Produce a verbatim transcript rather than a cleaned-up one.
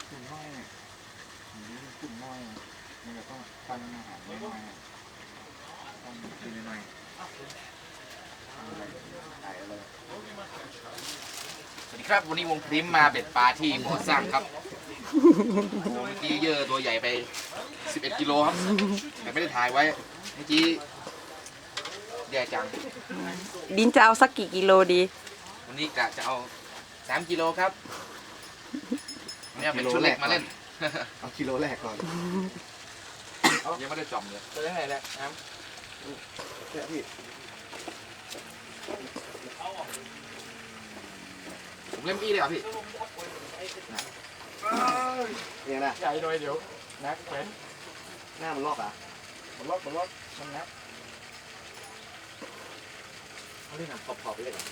กลุ่มน้อยอันนี้กลุ่มน้อยมันจะต้องตั้งอาหารน้อยต้องกินน้อยอะไรอะไรสวัสดีครับวันนี้วงพริมมาเบ็ดปลาที่บ่อสร้างครับโอ้เมื่อกี้เยอะตัวใหญ่ไปสิบเอ็ดกิโลครับแต่ไม่ได้ถ่ายไว้เมื่อกี้แย่จังดินจะเอาสักกี่กิโลดีวันนี้กะจะเอาสามกิโลครับเนี่ยเป็นชุดเล็กมาเล่นเอากิโลแรกก่อนยังไม่ได้จอมเลยจะได้ไงแหละน้ำแค่พี่ผมเล่นอี้เลยเหรอพี่เนี่ยนะใหญ่หน่อยเดี๋ยวนักเป็นหน้ามันลอกอ่ะมันล็อกมันล็อกมันนักเขาเรียกหนังขอบๆไปเลยเหรอ